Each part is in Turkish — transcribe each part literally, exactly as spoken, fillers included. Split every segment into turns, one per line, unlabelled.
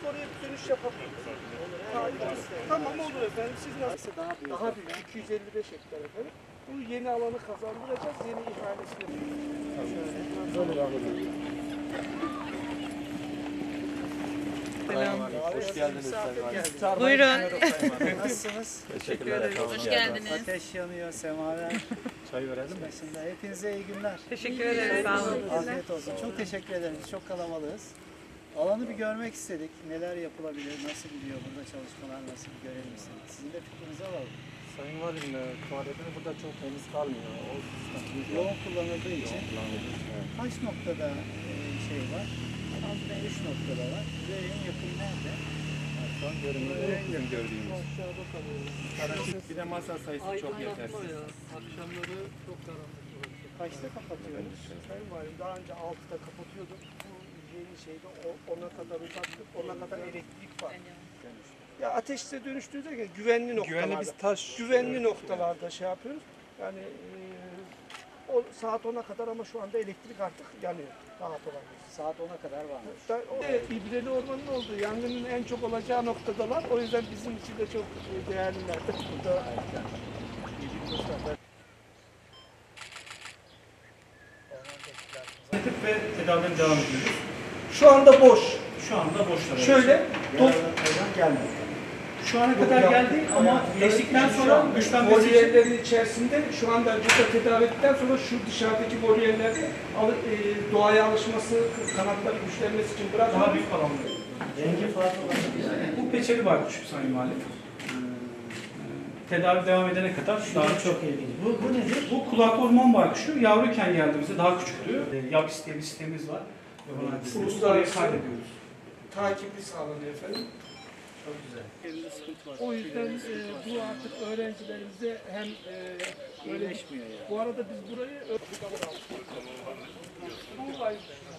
oraya bir dönüş yapabiliriz. Tamam, tamam olur efendim. Siz nasıl?
Daha büyük.
Daha büyük. iki yüz elli beş hektar efendim. Bu yeni alanı kazandıracağız. Yeni ihalesini. Şöyle. Böyle alalım.
Selam. Hoş geldiniz Sayın
Buyurun. Nasılsınız?
Teşekkürler.
Hoş geldiniz.
Ateş yanıyor, semaver.
Çay verelim mi?
Başında. Hepinize iyi günler.
Teşekkür ederiz. Sağ olun.
Afiyet olsun. Çok teşekkür ederiz. Çok kalabalığız. Alanı bir görmek istedik. Neler yapılabilir, nasıl gidiyor burada çalışmalar, nasıl bir görelim istedik. Sizin de fikrinizi alalım.
Sayın Valim, tuvaletini burada çok temiz kalmıyor. O
Yoğun kullanıldığı için kaç noktada e, şey var? Üç noktada var. Bize en yakın nerede?
Şu an görünüyor. En gördüğümüz.
Aşağıda kalıyoruz.
Bir de masa sayısı çok yetersiz.
Ya. Akşamları çok karanlık burası.
Kaçta kapatıyoruz?
Sayın Valim daha önce altıda kapatıyorduk. Bu yeni şeyde ona kadar uzattık. Ona kadar elektrik var. Ya ateşte dönüştüğünde güvenli noktalarda.
Güvenli biz taş.
Güvenli noktalarda şey yapıyoruz. Yani e, o saat ona kadar ama şu anda elektrik artık yanıyor. Rahat olabilir.
Saat ona kadar varmış.
Da, o da İbreli Ormanı'nın olduğu yangının en çok olacağı noktadalar. O yüzden bizim için de çok değerliler. Burada
ve tedavilerine devam ediyoruz.
şu anda boş.
Şu anda boşlar.
Şöyle dop,
gelmedi.
Şu ana kadar geldi ama geçtikten sonra güçlenmesi için
voliyerlerin içerisinde şu anda burada tedavi ettikten sonra şu dışarıdaki voliyerlerde al- e, doğaya alışması, kanatları güçlenmesi için bırakıyoruz.
daha büyük alanlar.
Rengi farklı
Bu peçeli baykuş Sayın Valim. Tedavi devam edene kadar daha çok
ilginç. Bu, bu nedir?
Bu kulak orman baykuşu yavruyken geldiğimizde daha küçüktü. Yabis diye bir sistemimiz var.
Uluslararası
kaydediyoruz.
takibi sağlanıyor efendim.
Çok güzel. Elinde sıkıntı var.
O yüzden e, bu artık öğrencilerimize hem e, böyle
İyileşmiyor yani.
bu arada biz burayı bu var.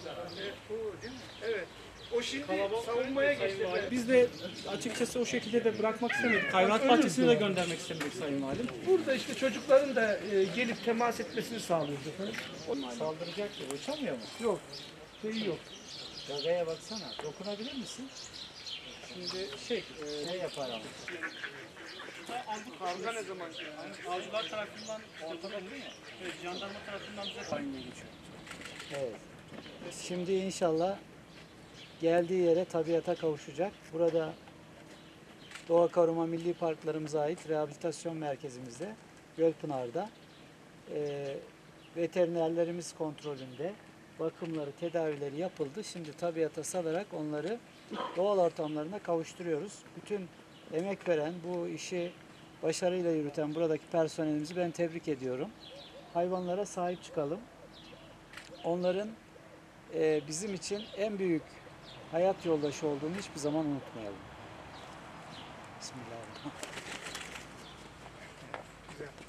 Evet. O şimdi savunmaya geçti.
Biz de açıkçası o şekilde de bırakmak istemedik. Hayvanat bahçesine de göndermek istemedik Sayın Valim.
Burada işte çocukların da e, gelip temas etmesini sağlıyoruz efendim.
Saldıracak ya. Uçamıyor mu?
Yok. Şeyi yok.
Gagaya baksana. Dokunabilir misin? Şimdi şey, e, ne yapar ama?
Kavga ne zaman?
Avcılar tarafından ortada değil mi? Evet, jandarma tarafından bize tayin geçiyor.
Evet. Şimdi inşallah geldiği yere tabiata kavuşacak. Burada Doğa Koruma Milli Parklarımıza ait rehabilitasyon merkezimizde Gölpınar'da e, veterinerlerimiz kontrolünde bakımları, tedavileri yapıldı. Şimdi tabiata salarak onları doğal ortamlarına kavuşturuyoruz. Bütün emek veren, bu işi başarıyla yürüten buradaki personelimizi ben tebrik ediyorum. Hayvanlara sahip çıkalım. Onların e, bizim için en büyük hayat yoldaşı olduğunu hiçbir zaman unutmayalım. Bismillahirrahmanirrahim.
Güzel.